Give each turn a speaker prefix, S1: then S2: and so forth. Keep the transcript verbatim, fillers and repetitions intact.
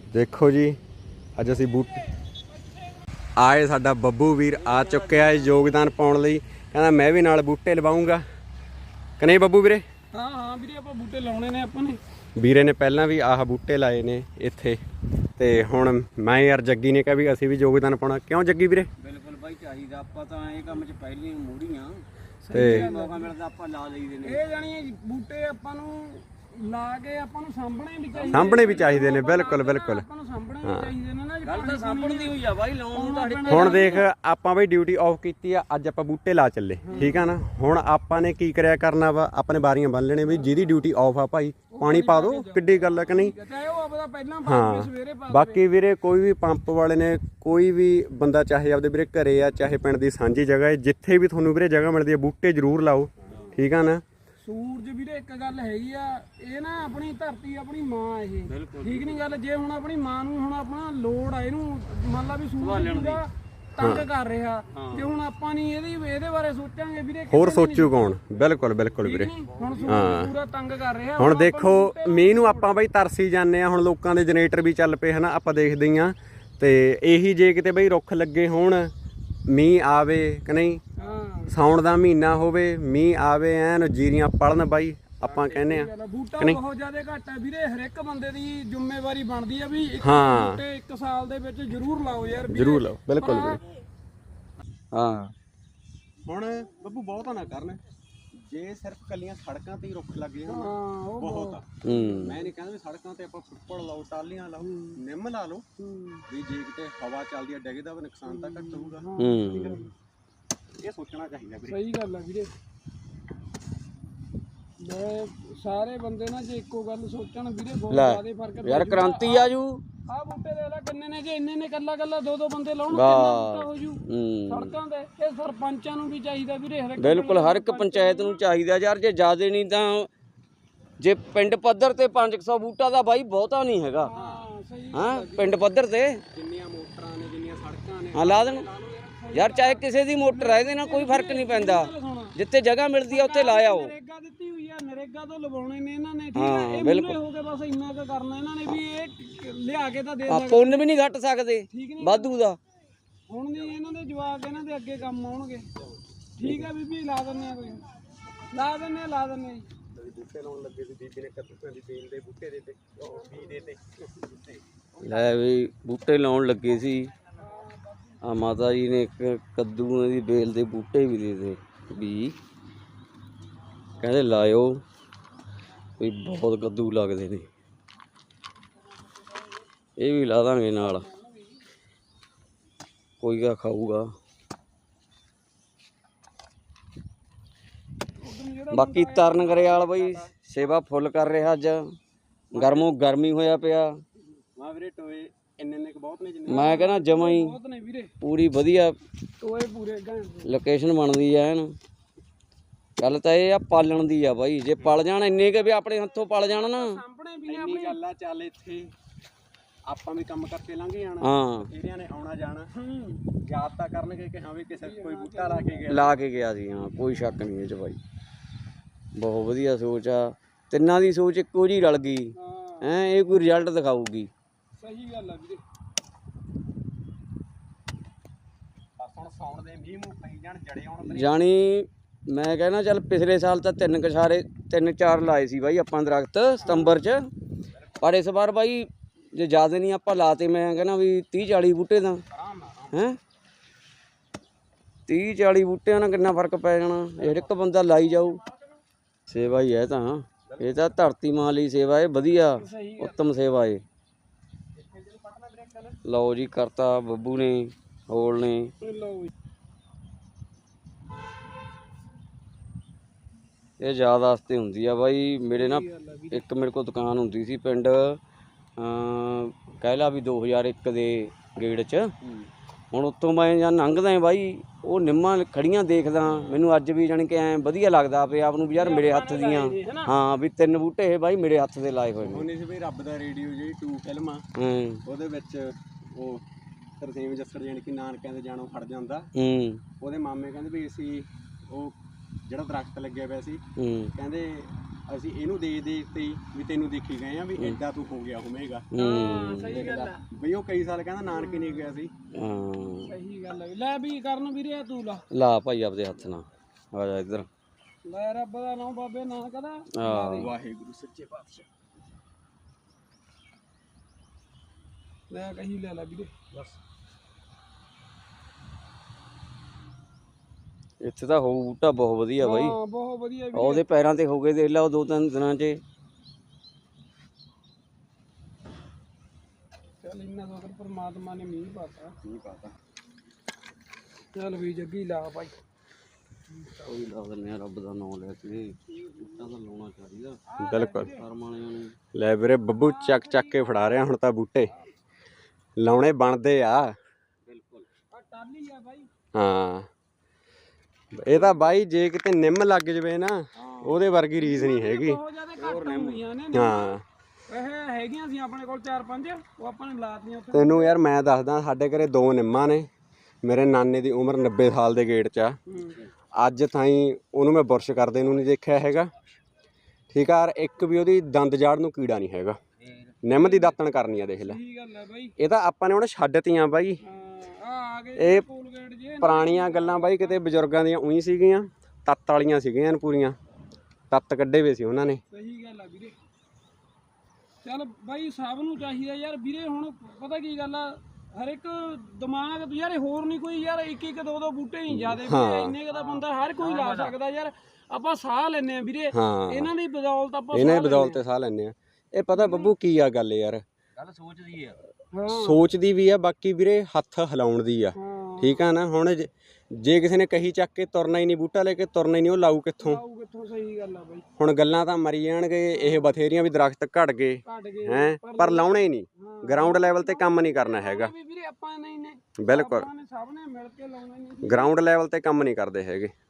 S1: देखो जी अज असी बूट आए साडा बब्बू वीर आ चुक्या है योगदान पाउण लई कहंदा मैं भी नाल बूटे लवाऊंगा कि नहीं बब्बू वीरे।
S2: हाँ हाँ वीरे आपां बूटे लाउणे ने आपां ने
S1: वीरे ने पहलां भी आह बूटे लाए ने इत्थे ते हुण मैं यार जग्गी ने कहा भी असीं भी योगदान पाउणा क्यों जग्गी वीरे।
S3: बिल्कुल बाई चाहिदा आपां तां इह काम च पहली मूड़ीਆਂ
S1: ते
S3: मौका मिलदा आपां ला लईਦੇ ਨੇ।
S2: ਇਹ ਜਾਨੀ ਬੂਟੇ ਆਪਾਂ ਨੂੰ ਲਾ ਕੇ ਆਪਾਂ ਨੂੰ ਸਾਂਭਣੇ ਵੀ ਚਾਹੀਦੇ
S1: ਸਾਂਭਣੇ ਵੀ ਚਾਹੀਦੇ ਨੇ ਬਿਲਕੁਲ ਬਿਲकुल।
S2: ਆਪਾਂ ਨੂੰ ਸਾਂਭਣੇ ਵੀ ਚਾਹੀਦੇ ਨੇ ਨਾ
S3: ਗੱਲ ਤਾਂ ਸਾਂਭਣ ਦੀ ਹੋਈ ਆ ਬਾਈ ਲਾਉਣ ਨੂੰ ਤਾਂ
S1: ਹੁਣ ਦੇਖ ਆਪਾਂ ਬਈ ਡਿਊਟੀ ਆਫ ਕੀਤੀ ਆ ਅੱਜ ਆਪਾਂ ਬੂਟੇ ਲਾ ਚੱਲੇ ਠੀਕ ਆ ਨਾ। ਹੁਣ ਆਪਾਂ ਨੇ ਕੀ ਕਰਿਆ ਕਰਨਾ ਵਾ ਆਪਣੇ ਬਾਰੀਆਂ ਬੰਨ ਲੈਣੇ ਵੀ ਜਿਹਦੀ ਡਿਊਟੀ ਆਫ ਆ ਭਾਈ ਪਾਣੀ ਪਾ ਦੋ ਕਿੱਡੀ ਗੱਲ ਆ ਕਿ ਨਹੀਂ।
S2: ਚਾਹੇ ਉਹ ਆਪਦਾ ਪਹਿਲਾਂ ਪਾ ਕੇ ਸਵੇਰੇ ਪਾ
S1: ਬਾਕੀ ਵੀਰੇ ਕੋਈ ਵੀ ਪੰਪ ਵਾਲੇ ਨੇ ਕੋਈ ਵੀ ਬੰਦਾ ਚਾਹੇ ਆਪਦੇ ਵੀਰੇ ਘਰੇ ਆ ਚਾਹੇ ਪਿੰਡ ਦੀ ਸਾਂਝੀ ਜਗ੍ਹਾ ਹੈ ਜਿੱਥੇ ਵੀ ਤੁਹਾਨੂੰ ਵੀਰੇ ਜਗ੍ਹਾ ਮਿਲਦੀ ਹੈ ਬੂਟੇ ਜ਼ਰੂਰ ਲਾਓ ਠੀਕ ਆ ਨਾ।
S2: ਸੂਰਜ ਵੀਰੇ ਇੱਕ ਗੱਲ ਹੈਗੀ ਆ ਇਹ ਨਾ ਆਪਣੀ ਧਰਤੀ ਆਪਣੀ ਮਾਂ ਇਹ ਠੀਕ ਨਹੀਂ ਗੱਲ। ਜੇ ਹੁਣ ਆਪਣੀ ਮਾਂ ਨੂੰ ਹੁਣ ਆਪਣਾ ਲੋੜ ਆ ਇਹਨੂੰ ਮੰਨ ਲਾ ਵੀ ਸੂਰਜ ਪੂਰਾ ਤੰਗ ਕਰ ਰਿਹਾ ਜੇ ਹੁਣ ਆਪਾਂ ਨਹੀਂ ਇਹਦੀ ਇਹਦੇ ਬਾਰੇ ਸੋਚਾਂਗੇ ਵੀਰੇ
S1: ਹੋਰ ਸੋਚੂ ਕੌਣ। ਬਿਲਕੁਲ ਬਿਲकुल ਵੀਰੇ।
S2: ਹੁਣ ਸੂਰਜ ਪੂਰਾ ਤੰਗ ਕਰ ਰਿਹਾ
S1: ਹੁਣ ਦੇਖੋ ਮੀਂਹ ਨੂੰ ਆਪਾਂ ਬਈ ਤਰਸੀ ਜਾਂਦੇ ਆ। ਹੁਣ ਲੋਕਾਂ ਦੇ ਜਨਰੇਟਰ ਵੀ ਚੱਲ ਪਏ ਹਨਾ ਆਪਾਂ ਦੇਖਦੇ ਹੀ ਆ ਤੇ ਇਹੀ ਜੇ ਕਿਤੇ ਬਈ ਰੁੱਖ ਲੱਗੇ ਹੋਣ ਮੀਂਹ ਆਵੇ ਕਿ ਨਹੀਂ ਸਾਉਣ ਦਾ ਮਹੀਨਾ ਹੋਵੇ ਮੀਂਹ ਆਵੇ ਐਨ ਜੀਰੀਆਂ ਪੜਨ ਬਾਈ ਆਪਾਂ ਕਹਿੰਦੇ ਆ।
S2: ਬੂਟਾ ਬਹੁਤ ਜ਼ਿਆਦਾ ਘੱਟ ਹੈ ਵੀਰੇ ਹਰ ਇੱਕ ਬੰਦੇ ਦੀ ਜ਼ਿੰਮੇਵਾਰੀ ਬਣਦੀ ਆ ਵੀ ਇੱਕ
S1: ਹਾਂ
S2: ਬੂਟੇ ਇੱਕ ਸਾਲ ਦੇ ਵਿੱਚ ਜ਼ਰੂਰ ਲਾਓ ਯਾਰ
S1: ਜ਼ਰੂਰ ਲਾਓ ਬਿਲਕੁਲ ਵੀਰੇ।
S3: ਹਾਂ
S1: ਹੁਣ ਬੱਬੂ ਬਹੁਤਾ ਨਾ ਕਰਨ ਜੇ ਸਿਰਫ ਕੱਲੀਆਂ ਸੜਕਾਂ ਤੇ ਹੀ ਰੁੱਖ ਲੱਗ ਜਾਣ
S2: ਹਾਂ ਉਹ
S1: ਬਹੁਤ ਆ।
S3: ਹੂੰ
S1: ਮੈਂ ਨਹੀਂ ਕਹਿੰਦਾ ਵੀ ਸੜਕਾਂ ਤੇ ਆਪਾਂ ਫੁੱਟਪੜ ਲਾਓ ਟਾਲੀਆਂ ਲਾਓ ਨਿੰਮ ਲਾ ਲਓ ਵੀ ਜੇ ਕਿਤੇ ਹਵਾ ਚੱਲਦੀ ਆ ਡਿੱਗਦਾ ਵਾ ਨੁਕਸਾਨ ਤਾਂ ਘੱਟ ਹੋਊਗਾ।
S3: ਹੂੰ
S1: ਇਹ ਸੋਚਣਾ ਚਾਹੀਦਾ ਵੀਰੇ।
S2: ਸਹੀ ਗੱਲ ਆ ਵੀਰੇ। ਮੈਂ ਸਾਰੇ ਬੰਦੇ ਨਾ ਜੇ ਇੱਕੋ ਗੱਲ ਸੋਚਣ ਵੀਰੇ ਬਹੁਤ ਜ਼ਿਆਦਾ ਫਰਕ
S3: ਯਾਰ ਕ੍ਰਾਂਤੀ ਆ ਜੂ।
S2: ਆਹ ਬੂਟੇ ਦੇ ਲੈ ਕਿੰਨੇ ਨੇ ਜੇ ਇੰਨੇ ਨੇ ਕੱਲਾ ਕੱਲਾ ਦੋ ਦੋ ਬੰਦੇ ਲਾਉਣ ਕਿੰਨਾ ਬੂਟਾ ਹੋ ਜੂ ਸੜਕਾਂ ਤੇ। ਇਹ ਸਰਪੰਚਾਂ ਨੂੰ ਵੀ ਚਾਹੀਦਾ ਵੀਰੇ ਹਰ ਇੱਕ
S3: ਬਿਲਕੁਲ ਹਰ ਇੱਕ ਪੰਚਾਇਤ ਨੂੰ ਚਾਹੀਦਾ ਯਾਰ ਜੇ ਜ਼ਿਆਦਾ ਨਹੀਂ ਤਾਂ ਜੇ ਪਿੰਡ ਪੱਧਰ ਤੇ ਪੰਜ ਸੌ ਬੂਟਾ ਦਾ ਬਾਈ ਬਹੁਤਾ ਨਹੀਂ ਹੈਗਾ।
S2: ਹਾਂ ਸਹੀ
S3: ਹਾਂ ਪਿੰਡ ਪੱਧਰ ਤੇ
S1: ਜਿੰਨੀਆਂ ਮੋਟਰਾਂ ਨੇ ਜਿੰਨੀਆਂ ਸੜਕਾਂ ਨੇ
S3: ਹਾਂ ਲਾ ਦੇਣ ਯਾਰ ਚਾਹੇ ਕਿਸੇ ਦੀ ਮੋਟਰ ਹੈ ਇਹਦੇ ਨਾਲ ਕੋਈ ਫਰਕ ਨਹੀਂ ਪੈਂਦਾ ਜਿੱਥੇ ਜਗ੍ਹਾ ਮਿਲਦੀ ਆ ਉੱਥੇ ਲਾਇਆ ਉਹ।
S2: ਨਰੇਗਾ ਦਿੱਤੀ ਹੋਈ ਆ ਨਰੇਗਾ ਤੋਂ ਲਵਾਉਣੇ ਨੇ ਇਹਨਾਂ ਨੇ ਠੀਕ ਹੈ। ਇਹ ਮੂਰੇ ਹੋ ਕੇ ਬਸ ਇੰਨਾ ਕੁ ਕਰਨਾ ਇਹਨਾਂ ਨੇ ਵੀ ਇਹ ਲਿਆ ਕੇ ਤਾਂ ਦੇ
S3: ਆ ਪੁੰਨ ਵੀ ਨਹੀਂ ਘਟ ਸਕਦੇ
S2: ਠੀਕ ਨਹੀਂ
S3: ਵਾਧੂ ਦਾ।
S2: ਹੁਣ ਨਹੀਂ ਇਹਨਾਂ ਦੇ ਜਵਾਕ ਇਹਨਾਂ ਦੇ ਅੱਗੇ ਕੰਮ ਆਉਣਗੇ ਠੀਕ ਆ ਬੀਬੀ ਲਾ ਦਿੰਦੇ ਆ ਕੋਈ ਲਾ ਦਿੰਦੇ ਆ ਲਾ ਦਿੰਦੇ ਆ
S1: ਬੂਟੇ ਲਾਉਣ ਲੱਗੇ ਸੀ ਬੀਬੀ ਨੇ ਕੱਦੂਆਂ ਦੀ ਬੇਲ ਦੇ ਬੂਟੇ ਦੇ ਤੇ ਬੀ ਦੇ ਤੇ
S3: ਲੈ ਵੀ ਬੂਟੇ ਲਾਉਣ ਲੱਗੇ ਸੀ ਆ ਮਾਤਾ ਜੀ ਨੇ ਇੱਕ ਕੱਦੂ ਦੀ ਬੇਲ ਦੇ ਬੂਟੇ ਵੀ ਦੇ ਦੇ ਵੀ ਕਹਿੰਦੇ ਲਾਇਓ ਵੀ ਬਹੁਤ ਕੱਦੂ ਲੱਗਦੇ ਨੇ ਇਹ ਵੀ ਲਾ ਦਾਂਗੇ ਨਾਲ ਕੋਈ ਗਾ ਖਾਊਗਾ। ਬਾਕੀ ਤਰਨ ਗਰੇਵਾਲ ਬਈ ਸੇਵਾ ਫੁੱਲ ਕਰ ਰਿਹਾ ਅੱਜ ਗਰਮੋਂ ਗਰਮੀ ਹੋਇਆ ਪਿਆ।
S1: ਮਾ ਵੀਰੇ ਟੋਏ ਇੰਨੇ ਇੰਨੇ ਬਹੁਤ ਨੇ ਜਿੰਨੇ
S3: ਮੈਂ ਕਹਿੰਦਾ ਜਮਾਂ ਹੀ
S2: ਬਹੁਤ ਨੇ ਵੀਰੇ
S3: ਪੂਰੀ ਵਧੀਆ
S2: ਟੋਏ ਪੂਰੇ ਗਾਂ
S3: ਲੋਕੇਸ਼ਨ ਬਣਦੀ ਐ ਐਨ। ਗੱਲ ਤਾਂ ਇਹ ਆ ਪਾਲਣ ਦੀ ਆ ਬਾਈ ਜੇ ਪਲ ਜਾਣ ਇੰਨੇ ਕਿ ਵੀ ਆਪਣੇ ਹੱਥੋਂ ਪਲ ਜਾਣ ਨਾ
S2: ਸਾਹਮਣੇ ਵੀ
S1: ਇੰਨੀ ਗੱਲ ਆ ਚੱਲ ਇੱਥੇ ਆਪਾਂ ਵੀ ਕੰਮ ਕਰਕੇ ਲੰਘ ਜਾਣਾ
S3: ਹਾਂ
S1: ਇਹਦਿਆਂ ਨੇ ਆਉਣਾ ਜਾਣਾ ਯਾਦ ਤਾਂ ਕਰਨਗੇ ਕਿ ਹਾਂ ਵੀ ਕਿਸੇ ਕੋਈ ਬੂਟਾ ਲਾ ਕੇ ਗਿਆ
S3: ਲਾ ਕੇ ਗਿਆ ਸੀ। ਹਾਂ ਕੋਈ ਸ਼ੱਕ ਨਹੀਂ ਇਹ 'ਚ ਬਾਈ ਬਹੁਤ ਵਧੀਆ ਸੋਚ ਆ ਤਿੰਨਾਂ ਦੀ ਸੋਚ ਇੱਕੋ ਜਿਹੀ ਰਲ ਗਈ ਹੈਂ ਇਹ ਕੋਈ ਰਿਜ਼ਲਟ ਦਿਖਾਊਗੀ।
S2: ਸਹੀ ਗੱਲ ਆ ਵੀਰੇ।
S1: ਬਸ ਹੁਣ ਸੌਣ ਦੇ ਮੀਂਹ ਮੂੰਹ ਪਈ ਜਾਣ ਜੜੇ ਆਉਣ
S3: ਜਾਣੀ ਮੈਂ ਕਹਿੰਦਾ ਚੱਲ ਪਿਛਲੇ ਸਾਲ ਤਾਂ ਤਿੰਨ ਕਛਾਰੇ ਤਿੰਨ ਚਾਰ ਲਾਏ ਸੀ ਬਾਈ ਆਪਾਂ ਦਰਖਤ ਸਤੰਬਰ 'ਚ ਪਰ ਇਸ ਵਾਰ ਬਾਈ ਜੇ ਜ਼ਿਆਦਾ ਨਹੀਂ ਆਪਾਂ ਲਾਤੇ ਮੈਂ ਕਹਿੰਦਾ ਵੀ ਤੀਹ ਚਾਲੀ ਬੂਟੇ ਦਾ ਹੈਂ ਤੀਹ ਚਾਲੀ ਬੂਟਿਆਂ ਨਾਲ ਕਿੰਨਾ ਫਰਕ ਪੈ ਜਾਣਾ ਹਰ ਇੱਕ ਬੰਦਾ ਲਾਈ ਜਾਊ। ਸੇਵਾ ਹੀ ਹੈ ਤਾਂ ਇਹ ਤਾਂ ਧਰਤੀ ਮਾਂ ਲਈ ਸੇਵਾ ਹੈ ਵਧੀਆ ਉੱਤਮ ਸੇਵਾ ਹੈ। ਲਓ ਜੀ ਕਰਤਾ ਬੱਬੂ ਨੇ ਹੋਲ ਨੇ ਇਹ ਯਾਦ ਵਾਸਤੇ ਹੁੰਦੀ ਆ ਬਾਈ। ਮੇਰੇ ਨਾ ਇੱਕ ਮੇਰੇ ਕੋਲ ਦੁਕਾਨ ਹੁੰਦੀ ਸੀ ਪਿੰਡ ਕਹਿ ਲਾ ਵੀ ਦੋ ਹਜ਼ਾਰ ਇੱਕ ਦੇ ਗੇੜ 'ਚ ਹੁਣ ਉੱਤੋਂ ਮੈਂ ਜਾਂ ਲੰਘਦਾ ਬਾਈ ਉਹ ਨਿੰਮਾਂ ਖੜੀਆਂ ਦੇਖਦਾ ਮੈਨੂੰ ਅੱਜ ਵੀ ਜਾਣੀ ਕਿ ਐਂ ਵਧੀਆ ਲੱਗਦਾ ਆਪੇ ਆਪ ਨੂੰ ਵੀ ਯਾਰ ਮੇਰੇ ਹੱਥ ਦੀਆਂ ਹਾਂ ਵੀ ਤਿੰਨ ਬੂਟੇ ਇਹ ਬਾਈ ਮੇਰੇ ਹੱਥ ਦੇ ਲਾਏ ਹੋਏ ਨੇ।
S1: ਉਹਨੇ ਸੀ ਬਈ ਰੱਬ ਦਾ ਰੇਡੀਓ ਜਿਹੜੀ ਟੂ ਫਿਲਮ ਆ ਉਹਦੇ ਵਿੱਚ ਉਹ ਤਰਸੇਮ ਜੱਸੜ ਜਾਣੀ ਕਿ ਨਾਨਕਿਆਂ ਦੇ ਜਾਣੋਂ ਖੜ ਜਾਂਦਾ ਉਹਦੇ ਮਾਮੇ ਕਹਿੰਦੇ ਵੀ ਅਸੀਂ ਉਹ ਜਿਹੜਾ ਦਰਖਤ ਲੱਗਿਆ ਪਿਆ ਸੀ ਕਹਿੰਦੇ ਅਸੀਂ ਇਹਨੂੰ ਦੇ ਦੇ ਤੇ ਹੀ ਵੀ ਤੈਨੂੰ ਦੇਖੀ ਗਏ ਆ ਵੀ ਐਡਾ ਤੂੰ ਹੋ ਗਿਆ ਹੋਵੇਗਾ।
S3: ਹੂੰ
S2: ਸਹੀ ਗੱਲ ਆ
S1: ਬਈ ਉਹ ਕਈ ਸਾਲ ਕਹਿੰਦਾ ਨਾਨਕੇ ਨਹੀਂ ਗਿਆ ਸੀ।
S3: ਹਾਂ
S2: ਸਹੀ ਗੱਲ ਆ ਲੈ ਵੀ ਕਰਨ ਵੀਰੇ ਤੂੰ ਲਾ
S3: ਲਾ ਭਾਈ ਆਪਦੇ ਹੱਥ ਨਾਲ ਆ ਜਾ ਇੱਧਰ
S2: ਲੈ ਰੱਬ ਦਾ ਨਾਮ ਬਾਬੇ ਨਾਨਕ ਦਾ
S3: ਹਾਂ
S1: ਵਾਹਿਗੁਰੂ ਸੱਚੇ ਪਾਤਸ਼ਾਹ
S2: ਲੈ ਕਹੀ ਲੈ ਲੈ ਵੀਰੇ ਬਸ
S3: ਇੱਥੇ ਤਾਂ ਹੋਊ ਬੂਟਾ ਬਹੁਤ ਵਧੀਆ ਬਾਈ।
S2: ਹਾਂ ਬਹੁਤ ਵਧੀਆ ਵੀਰੇ
S3: ਉਹਦੇ ਪੈਰਾਂ ਤੇ ਹੋ ਗਏ ਦੇਖ ਲਾ ਉਹ ਦੋ ਤਿੰਨ ਦਿਨਾਂ 'ਚ।
S2: ਚੱਲ ਇੰਨਾ ਸੋਚ ਪਰਮਾਤਮਾ ਨੇ ਮੀਂਹ ਪਾਤਾ
S1: ਨਹੀਂ ਪਤਾ।
S2: ਚੱਲ ਵੀ ਜੱਗੀ ਲਾ ਭਾਈ
S3: ਕੋਈ ਲਾ ਦਿੰਦੇ ਆ ਰੱਬ ਦਾ ਨਾਮ ਲੈ ਕੇ ਬੂਟਾ ਤਾਂ ਲਾਉਣਾ ਚਾਹੀਦਾ
S1: ਬਿਲਕੁਲ
S3: ਕਰਮ ਵਾਲਿਆਂ ਨੂੰ।
S1: ਲੈ ਵੀਰੇ ਬੱਬੂ ਚੱਕ ਚੱਕ ਕੇ ਫੜਾ ਰਿਹਾ ਹੁਣ ਤਾਂ ਬੂਟੇ ਲਾਉਣੇ ਬਣਦੇ ਆ।
S3: ਬਿਲਕੁਲ
S2: ਆ ਟਾਲੀ ਆ ਭਾਈ
S1: ਹਾਂ ਇਹ ਤਾਂ ਬਾਈ ਜੇ ਕਿਤੇ ਨਿੰਮ ਲੱਗ ਜਵੇ ਨਾ ਉਹਦੇ ਵਰਗੀ ਰੀਸ ਨਹੀਂ ਹੈਗੀ।
S2: ਬਹੁਤ ਜ਼ਿਆਦਾ ਘੱਟ ਹੁੰਦੀਆਂ ਨੇ
S1: ਹਾਂ
S2: ਇਹ ਹੈਗੀਆਂ ਸੀ ਆਪਣੇ ਕੋਲ ਚਾਰ ਪੰਜ ਉਹ ਆਪਾਂ ਨੇ ਲਾਤੀਆਂ ਉੱਥੇ
S1: ਤੈਨੂੰ ਯਾਰ ਮੈਂ ਦੱਸਦਾ ਸਾਡੇ ਘਰੇ ਦੋ ਨਿੰਮਾਂ ਨੇ। ਮੇਰੇ ਨਾਨੇ ਦੀ ਉਮਰ ਨੱਬੇ ਸਾਲ ਦੇ ਗੇੜ 'ਚ ਆ। ਅੱਜ ਤਾਈਂ ਉਹਨੂੰ ਮੈਂ ਬੁਰਸ਼ ਕਰਦੇ ਨੂੰ ਨਹੀਂ ਦੇਖਿਆ ਹੈਗਾ ਠੀਕ ਆ। ਇੱਕ ਵੀ ਉਹਦੀ ਦੰਦ ਜਾੜ ਨੂੰ ਕੀੜਾ ਨਹੀਂ ਹੈਗਾ। ਨਿੰਮ ਦੀ ਦਾਤਣ ਕਰਨੀ ਆ ਦੇਖ ਲੈ।
S2: ਸਹੀ ਗੱਲ ਹੈ ਬਾਈ
S1: ਇਹ ਤਾਂ ਆਪਾਂ ਨੇ ਹੁਣ ਛੱਡਤੀਆਂ ਬਾਈ।
S2: ਹਾਂ ਆ ਆ ਗਏ
S1: ਇਹ
S2: ਕੋਲਗੇਟ ਜੇ
S1: ਪੁਰਾਣੀਆਂ ਗੱਲਾਂ ਬਾਈ ਕਿਤੇ ਬਜ਼ੁਰਗਾਂ ਦੀਆਂ ਉਹੀ ਸੀਗੀਆਂ ਤੱਤ ਵਾਲੀਆਂ ਸੀਗੀਆਂ ਪੂਰੀਆਂ ਤੱਤ ਕੱਢੇ ਵੇ ਸੀ ਉਹਨਾਂ ਨੇ।
S2: ਸਹੀ ਗੱਲ ਆ ਵੀਰੇ ਚੱਲ ਬਾਈ ਸਭ ਨੂੰ ਚਾਹੀਦਾ ਯਾਰ ਵੀਰੇ ਹੁਣ ਪਤਾ ਕੀ ਗੱਲ ਆ ਹਰ ਇੱਕ ਦਿਮਾਗ ਯਾਰ ਹੋਰ ਨਹੀਂ ਕੋਈ ਯਾਰ ਇੱਕ ਇੱਕ ਦੋ ਦੋ ਬੂਟੇ ਨਹੀਂ ਜ਼ਿਆਦੇ ਵੀਰੇ ਇੰਨੇ ਕੁ ਦਾ ਬੰਦਾ ਹਰ ਕੋਈ ਲਾ ਸਕਦਾ ਯਾਰ। ਆਪਾਂ ਸਾਹ ਲੈਨੇ ਆ ਵੀਰੇ
S1: ਹਾਂ
S2: ਇਹਨਾਂ ਦੀ ਬਦੌਲਤ ਆਪਾਂ
S1: ਇਹਨਾਂ ਦੀ ਬਦੌਲਤ ਸਾਹ ਲੈਂਦੇ ਆ। ਇਹ ਪਤਾ ਬੱਬੂ ਕੀ ਆ ਗੱਲ ਯਾਰ
S3: ਗੱਲ ਸੋਚਦੀ ਆ
S2: ਹਾਂ
S1: ਸੋਚਦੀ ਵੀ ਆ ਬਾਕੀ ਵੀਰੇ ਹੱਥ ਹਿਲਾਉਣ ਦੀ ਆ
S2: ਹਾਂ
S1: ਠੀਕ ਆ ਨਾ। ਹੁਣ ਜੇ- ਜੇ ਕਿਸੇ ਨੇ ਕਹੀ ਚੱਕ ਕੇ ਤੁਰਨਾ ਹੀ ਨਹੀਂ ਬੂਟਾ ਲੈ ਕੇ ਤੁਰਨਾ ਹੀ ਨਹੀਂ ਉਹ ਲਾਊ ਕਿੱਥੋਂ।
S2: ਆਊ ਕਿੱਥੋਂ ਸਹੀ ਗੱਲ ਆ ਬਾਈ
S1: ਹੁਣ ਗੱਲਾਂ ਤਾਂ ਮਰੀ ਜਾਣਗੇ ਇਹ ਬਥੇਰੀਆਂ ਵੀ ਦਰਖਤ ਘਟ ਗਏ
S2: ਘਟ ਗਏ
S1: ਹੈ ਪਰ ਲਾਉਣੇ ਹੀ ਨਹੀਂ।
S2: ਹਾਂ।
S1: ਗਰਾਊਂਡ ਲੈਵਲ ਤੇ ਕੰਮ ਨਹੀਂ ਕਰਨਾ ਹੈਗਾ।
S2: ਵੀ ਵੀਰੇ ਆਪਾਂ ਨਹੀਂ ਨੇ
S1: ਬਿਲਕੁਲ
S2: ਆਪਾਂ ਨੇ ਸਭ ਨੇ ਮਿਲ ਕੇ ਲਾਉਣਾ ਨਹੀਂ
S1: ਗਰਾਊਂਡ ਲੈਵਲ ਤੇ ਕੰਮ ਨਹੀਂ ਕਰਦੇ ਹੈਗੇ।